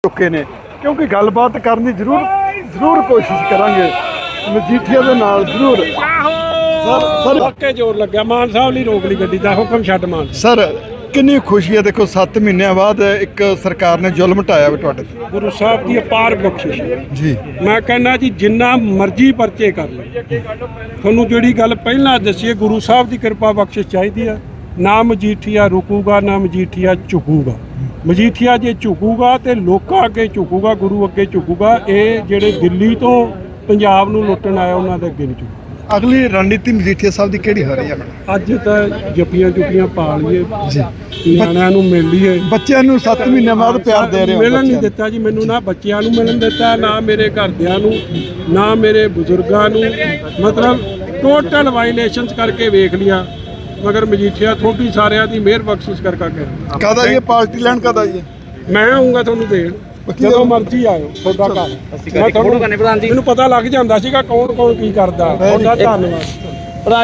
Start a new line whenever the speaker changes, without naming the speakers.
ਚੁੱਕੇ ਨੇ ਕਿਉਂਕਿ ਗੱਲਬਾਤ ਕਰਨ ਦੀ ਜ਼ਰੂਰ ਕੋਸ਼ਿਸ਼ ਕਰਾਂਗੇ ਮਜੀਠੀਆ ਦੇ ਨਾਲ ਜ਼ਰੂਰ। ਸਰ
ਵਾਕੇ ਜ਼ੋਰ ਲੱਗਿਆ, ਮਾਨ ਸਾਹਿਬ ਲਈ ਰੋਕ ਲਈ ਗੱਡੀ ਦਾ ਹੁਕਮ ਛੱਡ ਮਾਨ।
ਸਰ ਕਿੰਨੀ ਖੁਸ਼ੀ ਹੈ, ਦੇਖੋ 7 ਮਹੀਨਿਆਂ ਬਾਅਦ ਇੱਕ ਸਰਕਾਰ ਨੇ ਜ਼ੁਲਮ ਢਾਇਆ ਵਾ ਤੁਹਾਡੇ ਤੇ।
ਗੁਰੂ ਸਾਹਿਬ ਦੀ ਅਪਾਰ ਬਖਸ਼ਿਸ਼
ਜੀ,
ਮੈਂ ਕਹਿੰਦਾ ਜੀ ਜਿੰਨਾ ਮਰਜ਼ੀ ਪਰਚੇ ਕਰ ਲਓ, ਤੁਹਾਨੂੰ ਜਿਹੜੀ ਗੱਲ ਪਹਿਲਾਂ ਦੱਸੀਏ ਗੁਰੂ ਸਾਹਿਬ ਦੀ ਕਿਰਪਾ ਬਖਸ਼ਿਸ਼ ਚਾਹੀਦੀ ਆ। ਨਾ ਮਜੀਠੀਆ ਰੁਕੂਗਾ, ਨਾ ਮਜੀਠੀਆ ਝੁਕੂਗਾ। ਮਜੀਠੀਆ ਜੇ ਝੁਕੂਗਾ ਤੇ ਲੋਕਾਂ ਅੱਗੇ ਝੁਕੂਗਾ, ਗੁਰੂ ਅੱਗੇ ਝੁਕੂਗਾ। ਇਹ ਜਿਹੜੇ ਦਿੱਲੀ ਤੋਂ ਪੰਜਾਬ ਨੂੰ ਲੁੱਟਣ ਆਇਆ ਉਹਨਾਂ ਦੇ ਅੱਗੇ ਨਹੀਂ ਝੁਕੂਗਾ।
ਅਗਲੀ ਰਣਨੀਤੀ ਮਜੀਠੀਆ ਸਾਹਿਬ ਦੀ ਕਿਹੜੀ ਹੋ ਰਹੀ ਹੈ?
ਅੱਜ ਤਾਂ ਜੱਫੀਆਂ ਪਾ ਲਈਏ ਜੀ, ਨਿਆਣਿਆਂ ਨੂੰ ਮਿਲ ਲਈਏ।
ਬੱਚਿਆਂ ਨੂੰ 7 ਮਹੀਨਿਆਂ ਬਾਅਦ ਪਿਆਰ ਦੇ ਰਹੇ ਹੋ?
ਮਿਲਣ ਨਹੀਂ ਦਿੱਤਾ ਜੀ ਮੈਨੂੰ, ਨਾ ਬੱਚਿਆਂ ਨੂੰ ਮਿਲਣ ਦਿੱਤਾ, ਨਾ ਮੇਰੇ ਘਰਦਿਆਂ ਨੂੰ, ਨਾ ਮੇਰੇ ਬਜ਼ੁਰਗਾਂ ਨੂੰ। ਮਤਲਬ ਟੋਟਲ ਵਾਇਲੇਸ਼ਨਸ ਕਰਕੇ ਵੇਖ ਲਿਆ, ਮਗਰ ਮਜੀਠੀਆ ਥੋੜੀ ਸਾਰਿਆਂ ਦੀ ਮਿਹਰ ਬਖਸ਼ਿਸ਼ ਕਰਕੇ।
ਕਾਹਦਾ ਇਹ ਪਾਰਟੀ ਲੈਣ ਕਾਹਦਾ ਇਹ?
ਮੈਂ ਆਉਂਗਾ ਤੁਹਾਨੂੰ ਦੇਣ, ਜਦੋਂ ਮਰਜ਼ੀ ਆਇਓ, ਤੁਹਾਡਾ ਘਰ। ਮੈਂ ਤੁਹਾਨੂੰ ਮੈਨੂੰ ਪਤਾ ਲੱਗ ਜਾਂਦਾ ਸੀਗਾ ਕੌਣ ਕੀ ਕਰਦਾ। ਤੁਹਾਡਾ ਧੰਨਵਾਦ।